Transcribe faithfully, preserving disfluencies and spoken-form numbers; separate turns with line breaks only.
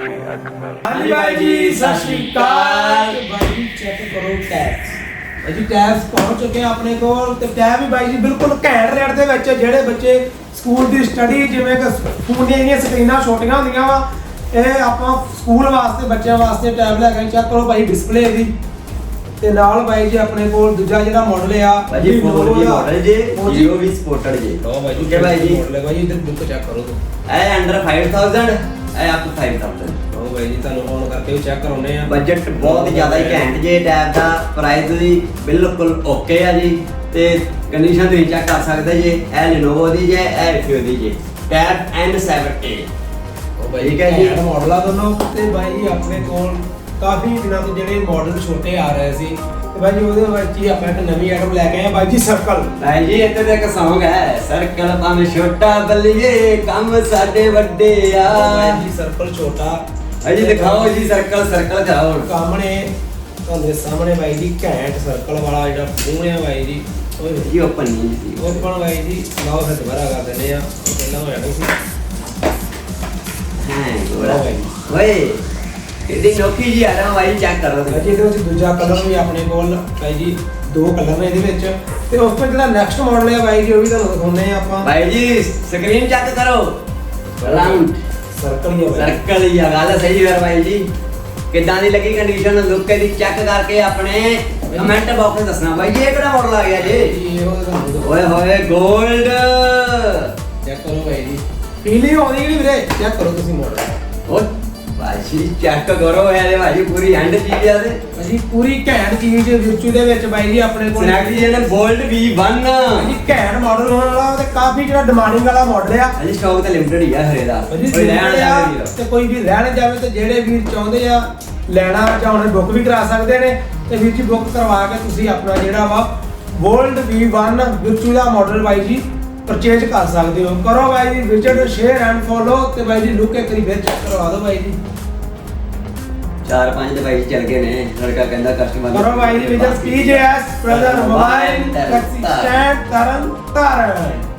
ਹਾਂਜੀ ਭਾਈ ਜੀ ਸਤਿ ਸ਼੍ਰੀ ਅਕਾਲ। ਭਾਈ ਚੈੱਕ ਕਰੋ ਟੈਬਸ। ਭਾਈ ਜੀ ਟੈਬਸ ਪਹੁੰਚ ਚੁੱਕੇ ਆ ਆਪਣੇ ਕੋਲ ਤੇ ਟੈਬ ਵੀ ਭਾਈ ਜੀ ਬਿਲਕੁਲ ਘੈਂਟ ਰੇਟ ਦੇ ਵਿੱਚ ਜਿਹੜੇ ਬੱਚੇ ਸਕੂਲ ਦੀ ਸਟੱਡੀ ਜਿਵੇਂ ਕਿ ਫੋਨ ਦੀਆਂ ਇੰਨੀਆਂ ਸਕਰੀਨਾਂ ਛੋਟੀਆਂ ਹੁੰਦੀਆਂ ਵਾ, ਇਹ ਆਪਾਂ ਸਕੂਲ ਵਾਸਤੇ ਬੱਚਿਆਂ ਵਾਸਤੇ ਟੈਬ ਲੈ ਕੇ ਚੈੱਕ ਕਰੋ ਭਾਈ ਡਿਸਪਲੇ ਦੀ। ਤੇ ਨਾਲ ਭਾਈ ਜੀ ਆਪਣੇ ਕੋਲ ਦੂਜਾ ਜਿਹੜਾ ਮਾਡਲ ਆ
ਭਾਜੀ ਫੋਰ ਜੀ ਮਾਡਲ ਜੇ Jio ਵੀ ਸਪੋਰਟਡ ਜੇ।
ਲਓ ਭਾਈ ਜੀ
ਠੀਕ ਹੈ ਭਾਈ ਜੀ।
ਮਾਡਲ ਹੈ ਭਾਈ ਜੀ, ਇਧਰ ਬੁੱਕ ਚੈੱਕ ਕਰੋ ਤੂੰ।
ਇਹ ਅੰਡਰ five thousand, ਇਹ ਅਪ to five thousand।
ਲਓ ਭਾਈ ਜੀ ਤੁਹਾਨੂੰ ਔਨ ਕਰਕੇ ਵੀ ਚੈੱਕ ਕਰਾਉਨੇ ਆ।
ਬਜਟ ਬਹੁਤ ਜ਼ਿਆਦਾ ਹੀ ਘੈਂਟ ਜੇ। ਟੈਬ ਦਾ ਪ੍ਰਾਈਸ ਵੀ ਬਿਲਕੁਲ ਓਕੇ ਆ ਜੀ ਤੇ ਕੰਡੀਸ਼ਨ ਤੁਸੀਂ ਚੈੱਕ ਕਰ ਸਕਦੇ ਜੇ। ਇਹ Lenovo ਦੀ ਜੇ, ਇਹ Refuse ਦੀ ਜੇ। Tab N seven A.
ਉਹ ਭਾਈ
ਠੀਕ ਹੈ ਜੀ।
ਘੈਂਟ ਮਾਡਲ ਆ ਦੋਨੋਂ। ਤੇ ਭਾਈ ਜੀ ਆਪਣੇ ਕੋਲ ਕਾਫੀ ਦਿਨਾਂ ਤੋਂ ਜਿਹੜੇ ਮਾਡਲ ਛੋਟੇ ਆ ਰਹੇ ਸੀ ਤੇ ਭਾਈ ਜੀ ਉਹਦੇ ਵਿੱਚ ਹੀ ਆਪਾਂ ਇੱਕ ਨਵੀਂ ਆਈਟਮ ਲੈ ਕੇ ਆਏ ਆ ਭਾਈ ਜੀ ਸਰਕਲ।
ਭਾਈ ਜੀ ਇੱਥੇ ਤੇ ਇੱਕ Song ਹੈ, ਸਰਕਲ ਭਾਵੇਂ ਛੋਟਾ ਬੱਲੀਏ ਕੰਮ ਸਾਡੇ ਵੱਡੇ ਆ।
ਭਾਈ ਜੀ ਸਰਕਲ ਛੋਟਾ
ਭਾਈ ਜੀ ਦਿਖਾਓ ਜੀ ਸਰਕਲ ਸਰਕਲ ਕਰਾਓ।
ਸਾਹਮਣੇ ਤੁਹਾਡੇ ਸਾਹਮਣੇ ਭਾਈ ਜੀ ਘੈਂਟ ਸਰਕਲ ਵਾਲਾ ਜਿਹੜਾ ਫੋਨ ਆ ਭਾਈ ਜੀ। ਓਏ
ਜੀ ਓਪਨ ਨਹੀਂ ਸੀ
ਓਪਨ ਭਾਈ ਜੀ ਲਾਓ ਫਿਰ ਦੁਬਾਰਾ ਕਰ ਦਿੰਦੇ ਆ। ਉਹ ਪਹਿਲਾਂ ਹੋ ਜਾਣਾ ਸੀ।
ਹਾਂ ਗੋਰਾ ਓਏ ਇਹਦੀ ਨੋਕੀ ਜੀ ਆ ਰਹਾ ਭਾਈ ਚੈੱਕ ਕਰੋ
ਭਾਈ ਜੀ ਇਹਦੇ ਵਿੱਚ ਦੂਜਾ ਕਲਰ ਵੀ ਆਪਣੇ ਕੋਲ ਭਾਈ ਜੀ ਦੋ ਕਲਰ ਨੇ ਇਹਦੇ ਵਿੱਚ। ਤੇ ਉਸ ਤੋਂ ਜਿਹੜਾ ਨੈਕਸਟ ਮਾਡਲ ਹੈ ਭਾਈ ਜੀ ਉਹ ਵੀ ਤੁਹਾਨੂੰ ਦਿਖਾਉਂਦੇ ਆ ਆਪਾਂ।
ਭਾਈ ਜੀ ਸਕਰੀਨ ਚੈੱਕ ਕਰੋ। ਰਾਉਂਡ
ਸਰਕਲ ਹੀ ਆ ਭਾਈ।
ਸਰਕਲ ਹੀ ਆ, ਗੱਲ ਸਹੀ ਹੈ ਭਾਈ ਜੀ। ਕਿੱਦਾਂ ਦੀ ਲੱਗੀ ਕੰਡੀਸ਼ਨ ਲੁੱਕ ਇਹਦੀ ਚੈੱਕ ਕਰਕੇ ਆਪਣੇ ਕਮੈਂਟ ਬਾਕਸ ਵਿੱਚ ਦੱਸਣਾ ਭਾਈ ਜੀ ਇਹ ਕਿਹੜਾ ਮਾਡਲ ਆ ਗਿਆ ਜੀ।
ਇਹ ਉਹ ਤੁਹਾਨੂੰ ਦਿਖਾਉਂਦੇ
ਓਏ ਹੋਏ 골ਡ
ਚੈੱਕ ਕਰੋ ਭਾਈ ਜੀ। ਫੀਲਿੰਗ ਆਉਂਦੀ ਕਿ ਵੀਰੇ ਚੈੱਕ ਕਰੋ ਤੁਸੀਂ ਮਾਡਲ।
ਓ ਭਾਈ ਚੈੱਕ ਕਰੋ ਇਹਦੇ ਭਾਈ ਪੂਰੀ ਹੈਂਡ ਚੀਜ਼ ਆ ਤੇ
ਭਾਜੀ ਪੂਰੀ ਘੈਂਟ ਚੀਜ਼ ਵਿਚੂ ਦੇ ਵਿੱਚ ਬਾਈ ਜੀ ਆਪਣੇ ਕੋਲ
ਸਨੈਕ ਜੀ ਨੇ 골ਡ ਵੀ ਵਨ
ਭਾਜੀ ਘੈਂਟ ਮਾਡਲ ਹੋਣ ਵਾਲਾ ਤੇ ਕਾਫੀ ਜਿਹੜਾ ਡਿਮਾਂਡਿੰਗ ਵਾਲਾ ਮਾਡਲ ਆ।
ਭਾਜੀ ਸਟਾਕ ਤਾਂ ਲਿਮਟਿਡ ਹੀ ਆ ਹਰੇ ਦਾ।
ਭਾਜੀ
ਕੋਈ ਲੈਣ ਜਾਵੇ ਵੀਰ
ਤੇ ਕੋਈ ਵੀ ਲੈਣ ਜਾਵੇ ਤੇ ਜਿਹੜੇ ਵੀਰ ਚਾਹੁੰਦੇ ਆ ਲੈਣਾ ਚਾਹੁੰਦੇ ਬੁੱਕ ਵੀ ਕਰਾ ਸਕਦੇ ਨੇ ਤੇ ਵੀਰ ਜੀ ਬੁੱਕ ਕਰਵਾ ਕੇ ਤੁਸੀਂ ਆਪਣਾ ਜਿਹੜਾ ਵਾ 골ਡ ਵੀ ਵਨ ਵਿਚੂ ਦਾ ਮਾਡਲ ਬਾਈ ਜੀ ਪਰਚੇਜ ਕਰ ਸਕਦੇ ਹੋ। ਕਰੋ ਬਾਈ ਜੀ ਵਿਜ਼ਿਟ ਸ਼ੇਅਰ ਐਂਡ ਫੋਲੋ ਤੇ ਬਾਈ ਜੀ ਲੁੱਕ ਇੱਕ ਵਾਰੀ ਫਿਰ ਚੈੱਕ ਕਰਵਾ ਦਿਓ ਬਾਈ ਜੀ।
ਚਾਰ ਪੰਜ ਦਵਾਈ ਚੱਲ ਗਏ ਨੇ। ਲੜਕਾ ਕਹਿੰਦਾ ਕਸਟਮਰ
ਕਰੋ ਬਾਈ ਜੀ visit PGS brother mobile taxi stand Tarn Taran.